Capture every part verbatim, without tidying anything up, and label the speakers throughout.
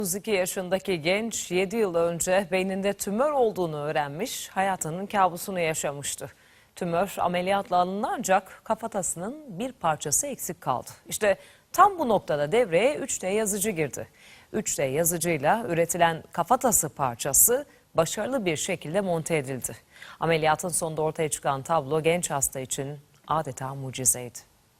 Speaker 1: otuz iki yaşındaki genç yedi yıl önce beyninde tümör olduğunu öğrenmiş, hayatının kabusunu yaşamıştı. Tümör ameliyatla alındı ancak kafatasının bir parçası eksik kaldı. İşte tam bu noktada devreye üç D yazıcı girdi. üç D yazıcıyla üretilen kafatası parçası başarılı bir şekilde monte edildi. Ameliyatın sonunda ortaya çıkan tablo genç hasta için adeta mucizeydi.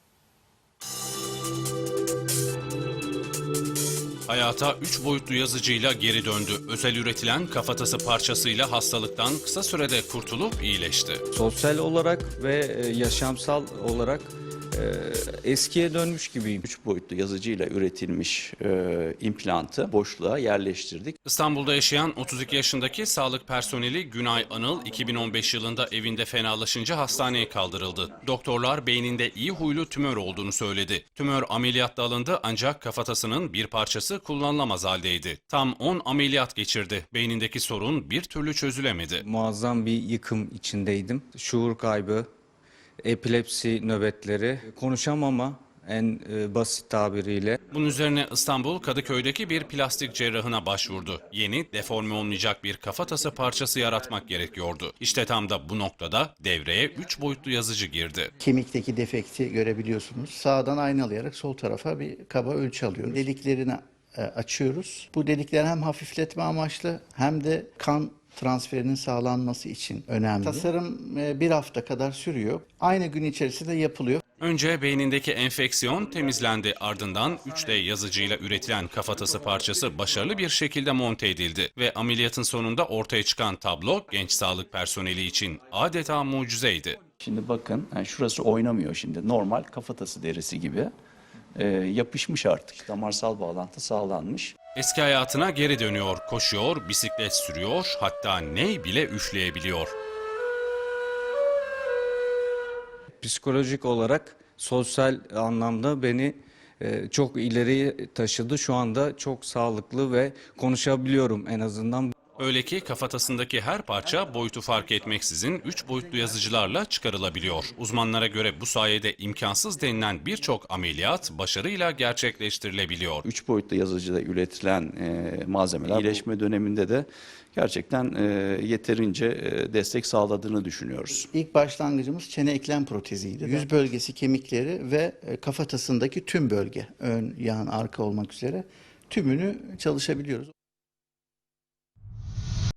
Speaker 2: Hayata üç boyutlu yazıcıyla geri döndü. Özel üretilen kafatası parçasıyla hastalıktan kısa sürede kurtulup iyileşti.
Speaker 3: Sosyal olarak ve yaşamsal olarak e, eskiye dönmüş gibiyim.
Speaker 4: Üç boyutlu yazıcıyla üretilmiş e, implantı boşluğa yerleştirdik.
Speaker 2: İstanbul'da yaşayan otuz iki yaşındaki sağlık personeli Günay Anıl iki bin on beş yılında evinde fenalaşınca hastaneye kaldırıldı. Doktorlar beyninde iyi huylu tümör olduğunu söyledi. Tümör ameliyatla alındı ancak kafatasının bir parçası kullanılamaz haldeydi. Tam on ameliyat geçirdi. Beynindeki sorun bir türlü çözülemedi.
Speaker 3: Muazzam bir yıkım içindeydim. Şuur kaybı, epilepsi nöbetleri, konuşamama en e, basit tabiriyle.
Speaker 2: Bunun üzerine İstanbul Kadıköy'deki bir plastik cerrahına başvurdu. Yeni, deforme olmayacak bir kafatası parçası yaratmak gerekiyordu. İşte tam da bu noktada devreye üç boyutlu yazıcı girdi.
Speaker 5: Kemikteki defekti görebiliyorsunuz. Sağdan aynalayarak sol tarafa bir kaba ölçü alıyoruz. Deliklerini e, açıyoruz. Bu delikler hem hafifletme amaçlı hem de kan transferinin sağlanması için önemli. Tasarım e, bir hafta kadar sürüyor. Aynı gün içerisinde yapılıyor.
Speaker 2: Önce beynindeki enfeksiyon temizlendi, ardından üç D yazıcıyla üretilen kafatası parçası başarılı bir şekilde monte edildi ve ameliyatın sonunda ortaya çıkan tablo genç sağlık personeli için adeta mucizeydi.
Speaker 4: Şimdi bakın yani şurası oynamıyor şimdi. Normal kafatası derisi gibi e, yapışmış artık. Damarsal bağlantı sağlanmış.
Speaker 2: Eski hayatına geri dönüyor, koşuyor, bisiklet sürüyor, hatta ney bile üfleyebiliyor.
Speaker 3: Psikolojik olarak, sosyal anlamda beni e, çok ileriye taşıdı. Şu anda çok sağlıklı ve konuşabiliyorum en azından.
Speaker 2: Öyle ki kafatasındaki her parça boyutu fark etmeksizin üç boyutlu yazıcılarla çıkarılabiliyor. Uzmanlara göre bu sayede imkansız denilen birçok ameliyat başarıyla gerçekleştirilebiliyor.
Speaker 4: Üç boyutlu yazıcıda üretilen e, malzemeler iyileşme döneminde de gerçekten e, yeterince e, destek sağladığını düşünüyoruz.
Speaker 5: İlk başlangıcımız çene eklem proteziydi. Yüz bölgesi kemikleri ve e, kafatasındaki tüm bölge, ön, yan, arka olmak üzere tümünü çalışabiliyoruz.